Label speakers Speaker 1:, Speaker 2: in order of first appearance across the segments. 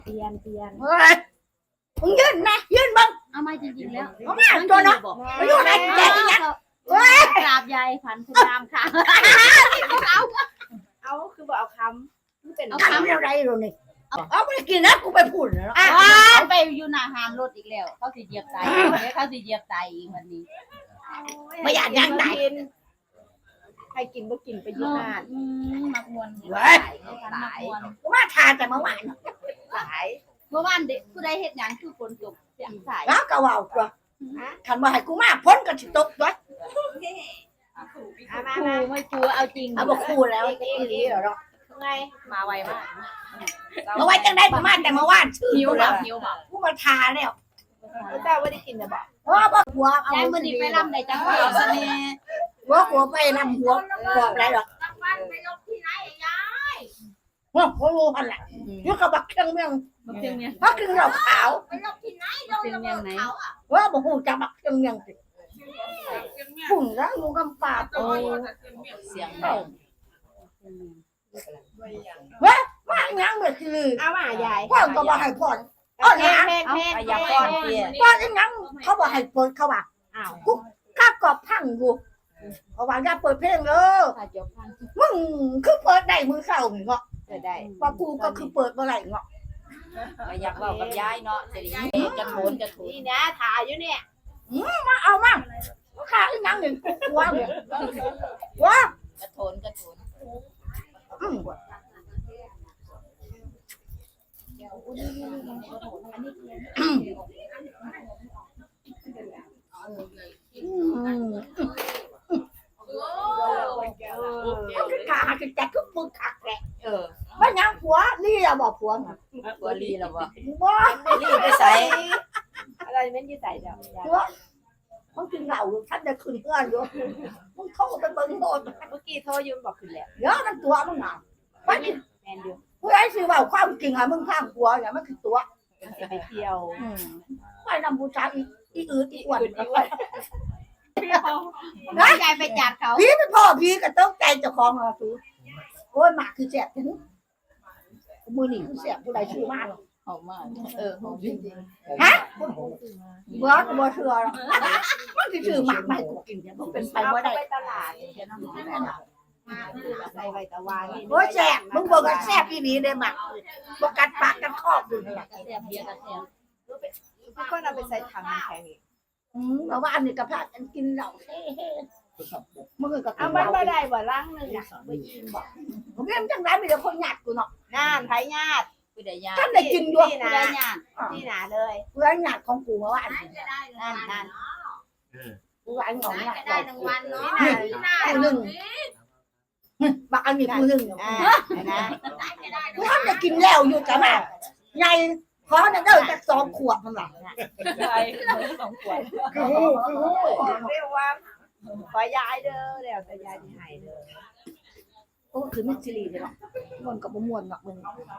Speaker 1: เปลี่ยน
Speaker 2: เฮ้ยมึงยืนนะยืนมึง
Speaker 3: เอามาจริงๆแล้ว
Speaker 2: เอามาตัวเนาะมาอยู่ไหนแกอีกเนี่ยเฮ้ย
Speaker 3: กราบยายพันคุณรามค่ะ
Speaker 1: เอาคือบอกเอาคำมันเป็น
Speaker 2: ทำอะไรเราเนี่ยเอาไม่ได้กินนะกูไปพูดเนาะ
Speaker 3: เอาไปอยู่หน้าหานรถอีกแล้วเขาสิเหยียบตายเขาสิเหยียบตายอีกวันนี้
Speaker 2: ไม่อยากยังไหน
Speaker 1: ใครกินบ่กินไปยุ่งงาน
Speaker 3: มักมวน
Speaker 2: เฮ้ย
Speaker 3: มักมวน
Speaker 2: กูมาทานแต่เมื่อวาน
Speaker 1: หลาย
Speaker 3: เมื่อวานเด็กผู้ใดเฮ็ดหยังคือฝนตกเสียงสาย
Speaker 2: แล้วก็ว่าตัวขันว่าให้กูมาพ้นกันสิตกด้วย
Speaker 1: มา
Speaker 3: ครูไม่ครูเอาจริง
Speaker 2: เอาบอกคู่แล้วจะอีหลีเหรอ
Speaker 1: ไง
Speaker 3: มาไวมาก
Speaker 2: เอาไว้จังได้ประมาณแต่เมื่อวานชื่อ
Speaker 3: หิว
Speaker 2: กู
Speaker 3: แล้
Speaker 2: แล้ว ว
Speaker 3: หิวแบบ
Speaker 2: กูมาทาแล้ว
Speaker 1: เจ้าว่าได้กินนะบอก
Speaker 2: ว่าบ่หัวเอา
Speaker 3: ยายมื้อนี้ไปรำได้จังหวัดเสน่ห์
Speaker 2: หัวไปนำหัวบอกอะไรหรอกหัวรู้พันแหละยุกับบักเครื่องเมือง
Speaker 3: บ่เพียงเนี่ย
Speaker 2: บักเครื่องเราขาว
Speaker 3: เพียงเมียงไหน
Speaker 2: ว่าบอกหูจะบักเครื่องเมืองสิปุ่นแล้วอยู่กำปาโอ้
Speaker 3: เสียง
Speaker 2: ว่าว่ายังไม่คือ
Speaker 1: เอามายาย
Speaker 2: พ่อก็บอกให้พ่อนอ้อน
Speaker 1: แม่
Speaker 2: นะ
Speaker 1: แม่แม่
Speaker 3: อย่าป้อนเตี้ย
Speaker 2: พ่อนยังเขาบอกให้เปิดเขาว่า
Speaker 1: อ้าว
Speaker 2: ข้ากอบพังอยู่เขาว่าอย่าเปิดเพลงเลย
Speaker 3: ถ้าจบพัน
Speaker 2: มึงคือเปิดได้มือเศร้าเงาะ
Speaker 1: จะได้
Speaker 2: ว่ากูก็คือเปิดเมื่อไหร่เงาะ
Speaker 3: อยากเว้ากับยายเนาะสิจะโถน
Speaker 1: นี่นะถ่ายอยู่เนี่ย
Speaker 2: มาเอามาข้าอีกยังหนึ่งว่าเลยว่า
Speaker 3: กระโถน
Speaker 2: ขาจะแจกทุกมือขักแหละ
Speaker 3: เออ
Speaker 2: ว่ายังผัวนี่อะบอกผัวไง
Speaker 3: บ่ลีแล้วบ่
Speaker 2: ว่า
Speaker 3: ลีไปใส่
Speaker 1: อะไรแม่นยืดใส่เดี๋ยวยาย
Speaker 2: ผัวมึงกินเหล้าอยู่ท่านจะขึ้นเพื่อนอยู่มึงเข้าไปเบิ่งโบสถ์
Speaker 1: เมื่อกี้โทรยืมบอกขึ้นแล้ว
Speaker 2: เดี๋ยวมันตัวมึงอ่ะว่า
Speaker 1: แมนอยู่
Speaker 2: ผู้ใดสิว่าความจริงอ่ะมึงข้างผัวเนี่ยมันคือตัว
Speaker 1: จะไปเที่ยว
Speaker 2: ไปนำบูชาอีอืดอีอ้วน
Speaker 3: ยายไปจับเขา
Speaker 2: พี่เป็นพ่อพี่ก็ต้องใจเจ้าของอ่ะคือโอ้ยหมากคือแสบถึงมือหนีคือแสบผู้ใดชื่อมาก
Speaker 3: หอมมากหอมจริง
Speaker 2: ฮะบ่ก็บ่เชื่อหรอกมันสิชื่อหมากไม่กูกินเนี่ยมันเป็นไป
Speaker 1: เอา
Speaker 2: บ่ได้
Speaker 1: ไปตลาดจะน้ำใส่ใบตะวันนี่
Speaker 2: โอ้ยแสบมึงบอกว่าแสบอีหลีได้หมากบ่กัดปากกันคอบอยู่นี่
Speaker 3: ๆแซ่บเบียร์กับแซ่บ
Speaker 1: ทุกคนเอาไปใส่ถังแข็งอีก
Speaker 2: เพราะว่าอันนี้ก็พากันกินเหล้าเฮ้มึงก็กิ
Speaker 1: เอา
Speaker 2: น
Speaker 1: มัน
Speaker 2: เหล้า
Speaker 1: มาได้บ่ล้างนึงอ่ะบ่ยินบอก
Speaker 2: ผมเรียนจังได๋มีแต่คนหยาดกูเนาะ
Speaker 1: น่านไผญาติ
Speaker 3: ผู้ใดยา
Speaker 2: ท่านได้กินอยู่
Speaker 1: นี่
Speaker 3: ผู้
Speaker 1: นะ
Speaker 3: ใดยา
Speaker 1: นี่นะเลย
Speaker 2: เพื่อนหยาดของกูเมื่อวาน
Speaker 1: นั่น
Speaker 2: กูว่าอันของหยาด
Speaker 3: ได้รางวัลเนาะ
Speaker 2: กูนึงบักอันนี้กูนึง
Speaker 1: อ่านะ
Speaker 2: กูทำได้กินแล้วอยู่จ้ะมาใหญ่ขอน่ะเด้อจัก2ขวดมันล่ะ
Speaker 3: ใช่2ขวด
Speaker 2: คือ
Speaker 1: เรียกว่าขอยายเด้อแล้วแต่ยายที่ให้เด้อ
Speaker 2: โอ้คือมิสซิลีเด้อมันก็บ่ม่วนหรอกมึง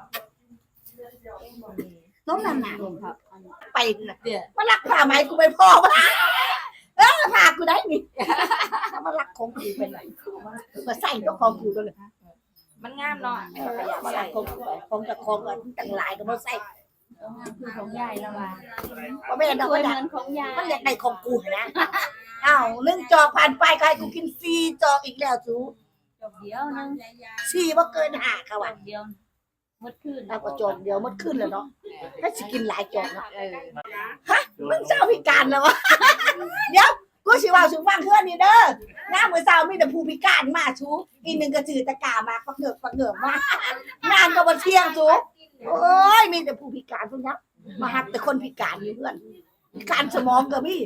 Speaker 2: ต้องนั่นน่ะไปน่ะ
Speaker 3: เดี๋ยว
Speaker 2: มารักผ้าไหมกูไปพ่อมาพากูได้นี่ถ้ามารักของกูเป็นไรมาใส่ตัวของกูด้วยเลย
Speaker 3: มันงามเนาะ
Speaker 2: มารักของจะของกันต่างหลายก็มาใส่
Speaker 3: คือของยายแล้วว่า
Speaker 2: ก็ไม่ได้ดอก
Speaker 3: เห
Speaker 2: นะ
Speaker 3: มือนของยาย
Speaker 2: มันอยากได้ของกูนะอ้าวนึ่งจอกผ่านไปใครกูกินฟรีจอกอีกแล้วจู
Speaker 3: จบเดียวนึง
Speaker 2: ฟรีว่าเกิน5ค่ะว่ะ
Speaker 3: เดียวหมดคืน
Speaker 2: แล้วก็จอกเดียวมันขึ้นแล้วเนาะถ้าสิกินหลายจอกเนาะมึงเศร้าพิการแล้ววะเดี๋ยวกูสิว่าสูฟังเพื่อนนี่เด้อหน้ามือเศร้ามีแต่ผู้พิการมาชูอีกนึงก็จืดตะกามาปักเหงือกมางานก็บ่เที่ยงจูโอ้ยมีแต่ผู้พิการพวกนี้มาหักแต่คนพิการอยู่เพื่อนพิการสมองก็มี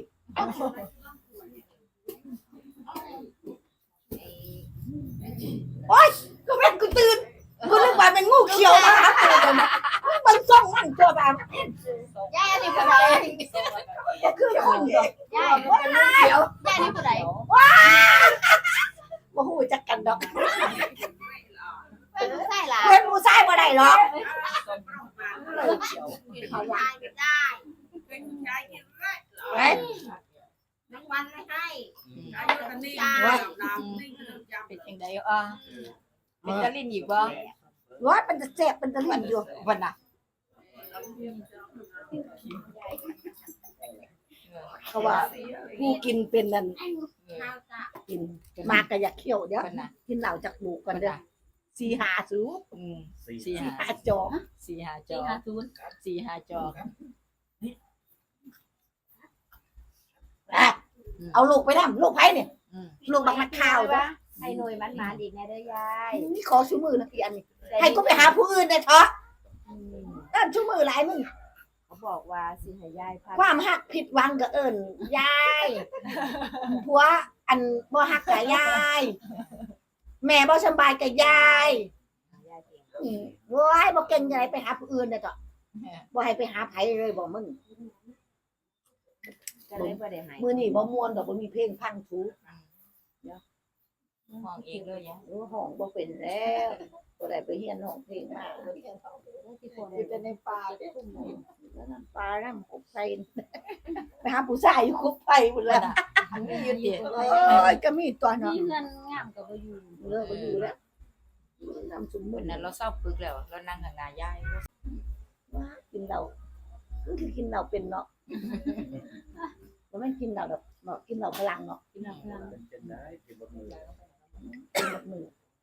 Speaker 2: โอ๊ยก็แม่นกูตื่นกูนึกว่าเป็นงูเขียวมาหากูกันมันส่องมันตัวแบบ
Speaker 3: ยายนี่ผู้ใด
Speaker 2: ก็คือคนเดียวย
Speaker 3: ายเป็นลูกเขียวยายนี่ผู้ใด
Speaker 2: บ่ฮู้จักกันดอก
Speaker 3: เป็นลูกชายหลาน
Speaker 2: เพิ่นผู้ชายบ่ได้หรอก
Speaker 3: เขายายได้
Speaker 2: เฮ้ย
Speaker 3: รางวัลไม่ให้
Speaker 4: เป็นจังไดเป็นตะลินอีกบ่
Speaker 2: ว่ามันจะแซ่บมันจะลิ้นอยู่
Speaker 4: วันน่ะ
Speaker 2: เขาว่าผู้กินเป็นนั่นกินมากก็อยากเคี่ยวเดี๋ยวกินเหล้าจากบุกก่อนเด้อ4-5สูบ 4-5จอก
Speaker 3: 4-5 จอก4-5 จอก
Speaker 2: เอาลูกไปทำลูกไผเนี่ยลูกบักนักข่าวจ้ะ
Speaker 1: ให้หน่วยมันมาอีกแน่เด้อยาย
Speaker 2: นี่ขอชูมือนะพี่อันนี้ให้กูไปหาผู้อื่นได้เถอะนั่นชูมือหลายมึง
Speaker 1: เขาบอกว่าสิให้ยายพัก
Speaker 2: ความหักผิดหวังก็เอิ้นยายผัวอันบ่ฮักก็ยายแม่บ่สบายก็ยาย
Speaker 1: ยายเก่ง
Speaker 2: โว้ยบ่เก่งจังไดไปหาผู้อื่นได้เถอะบ่ให้ไปหาไผเลยบ่มึง
Speaker 1: ก็เลยบ่ได้ให้
Speaker 2: มื้อนี้บ่ม่วนดอกบ่มีเพลงพังถู
Speaker 3: มองเองเลยยะ
Speaker 2: ห้องบ่เป็นแล้วบ่ได้ไปเรียนร้องเพลงมาอยู่แต่ในป่าทุ่มแล้วนั่นป่านำกุบไผไปหาผู้ชายอยู่กุบไผพุ่นล่ะ
Speaker 3: มันไม่ยืดเดีย
Speaker 2: โอ้ยก็มีตัวเนาะ
Speaker 3: มีเงินงามก็บ่อยู่
Speaker 2: เลิกบ่อยู่แล้วนำสมมุ
Speaker 3: วัน
Speaker 2: ติ
Speaker 3: นั้นเราเศร้าปึกแล้วเรานั่งข้างหน้ายาย
Speaker 2: ว่ากินเหล้ามันคือกินเหล้าเป็นเนาะบ่แม่นกินเหล้าดอกเนาะกินเหล้าพลังเนาะกินเหล้าพลังกินหมดมือ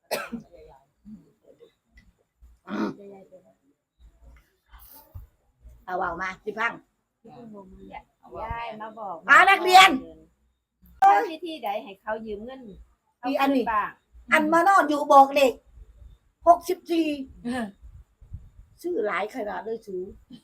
Speaker 2: เอาเว้ามาสิพัง
Speaker 1: ยายมาบอก
Speaker 2: นักเรียน
Speaker 1: วิธีใดให้เขายืมเงิน
Speaker 2: อีอันนี้
Speaker 1: บ้าง
Speaker 2: อันมานอนอยู่บอกเลข64ชื่อหลายขนาดเลยสู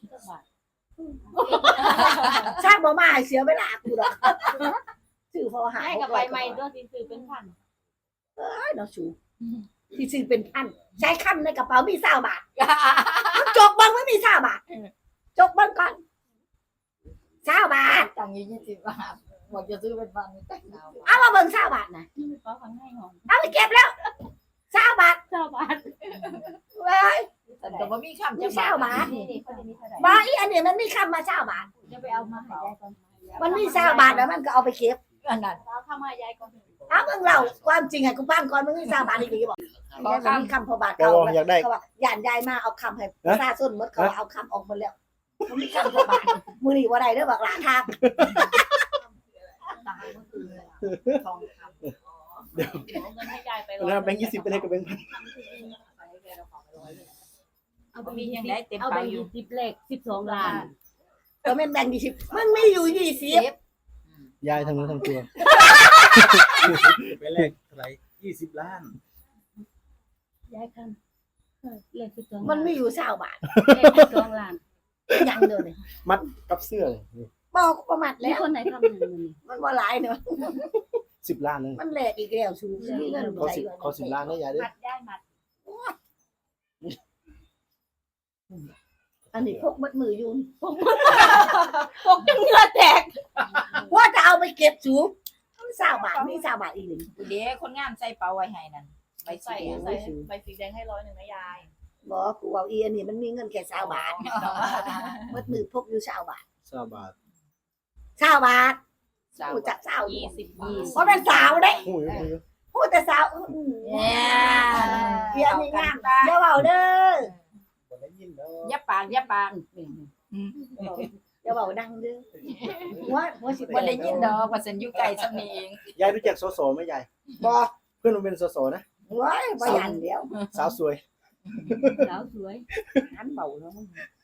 Speaker 2: ชาติบ่มาให้เสียเวลากูดอกชื่อพอหา
Speaker 1: ให้
Speaker 2: ย
Speaker 1: กับใบใหม่ด้วยสิซื้อเป็นพัน
Speaker 2: เอ้ยเนาะสูที่ซื้อเป็นพันใช้คำในกระเป๋ามี20บาทจกเบิ่งไม่มี20บาทจกเบิ่งก่อน20บาท
Speaker 3: ตังค์20 บาทบอกจะซื้อเป็นพันแต่งเอา
Speaker 2: เอามาเบิ่ง20บาทน่ะ
Speaker 3: ก็ฟังให้หอม
Speaker 2: เอาไปเก็บแล้ว20บาท
Speaker 3: 20 บาท
Speaker 2: เว้ย
Speaker 3: แต่บ่มีคำ
Speaker 2: มี
Speaker 3: จะ
Speaker 2: 20บาท
Speaker 1: นี่เขาจะมีเท่าไหร่
Speaker 2: บ่อีอันนี้มันมีคำมา20บาท
Speaker 3: จะไปเอามาให้ยายก่อน
Speaker 2: มันมี20บาทแล้วมันก็เอาไปเก็บ
Speaker 3: อันนั้น
Speaker 1: เอาเข้ามายายก่อน
Speaker 2: เอามึงเล่าความจริงให้กูฟังก่อนมึงมี20บาทอีกทีบอกมีคำพอบาท
Speaker 5: ก็
Speaker 2: เขา
Speaker 5: อยากได้
Speaker 2: เขาว่าย่านยายมาเอาคำให้ซาส้นหมดเขาเอาคำออกหมดแล้วมันมีคำพอบาทมือนี่ว่าใดเด้อบักหลาทาง
Speaker 3: ตังค์ก็คือทองคำเงินให้ยายไป
Speaker 5: แล้วแบงค์20ไปเลยกับแบงค์พัน
Speaker 3: เอาไปมียังได้เต็ม
Speaker 1: เอา
Speaker 3: ไป
Speaker 1: ไป
Speaker 3: อยู่
Speaker 1: 20เลข12ล้าน
Speaker 2: ก็แม่นแบ่ง20มึงมีอยู่20
Speaker 5: ยายทั้งนู้นทั้งตัว
Speaker 6: ไปแลกเท่าไหร่20 ล้าน
Speaker 1: ยายคันเลข12
Speaker 2: มันมีอยู่20บาท
Speaker 1: เลข12ล้าน
Speaker 2: ยังเด้อนี่
Speaker 5: มัดกับเสื้อเลย
Speaker 2: บอกประมาท
Speaker 1: แล้
Speaker 2: แล้ว ว
Speaker 1: คนไหนทำอย่างนี้
Speaker 2: มันบ่หลายเนาะ
Speaker 5: 10 ล้านเลย
Speaker 2: มันแหลกอีกแล้วชูมีเงิน
Speaker 5: เขา10ล้านได้ยายเด้อ
Speaker 1: มัดยายมัด
Speaker 2: อันนี้พกมัดมืออยู่
Speaker 1: พกจนเหงื่อแตก
Speaker 2: ว่าจะเอาไปเก็บสูมัน20บาทมี20บาทอีกหนึ่ง
Speaker 3: เดี๋ยวคนงามใส่เป๋าไว้ให้นั่นใบสี
Speaker 4: ใบสีแดงให้100นะยาย
Speaker 2: บอกกูเอาอีอันนี้มันมีเงินแค่20บาทมัดมือพกอยู่20บาท
Speaker 5: 20 บาท
Speaker 2: 20บาท
Speaker 3: สาว
Speaker 2: กูจัก20
Speaker 3: 20 บาท
Speaker 2: เพราะเป็นสาวเด้
Speaker 5: หูย
Speaker 2: พูดแต่สาวเดี๋ยวนี้งามเดี๋ยวเอาเด้อ
Speaker 5: บ่ได้ยินเด้อ
Speaker 3: อย่าปากอย่าปาก
Speaker 2: เดี๋ยวเอาดังเด้อหัวสิ
Speaker 3: บ่ได้ยินดอกว่าฉันอยู่ไกลซำนี้เอง
Speaker 5: ยายรู้จักสสไหมยาย
Speaker 2: บ่
Speaker 5: เพื่อนมันเป็นสสนะ
Speaker 2: ว้ายบ่ยันเดี๋ยว
Speaker 5: สาวสวย
Speaker 1: สาวสวย
Speaker 2: หันเบาแล้วมึง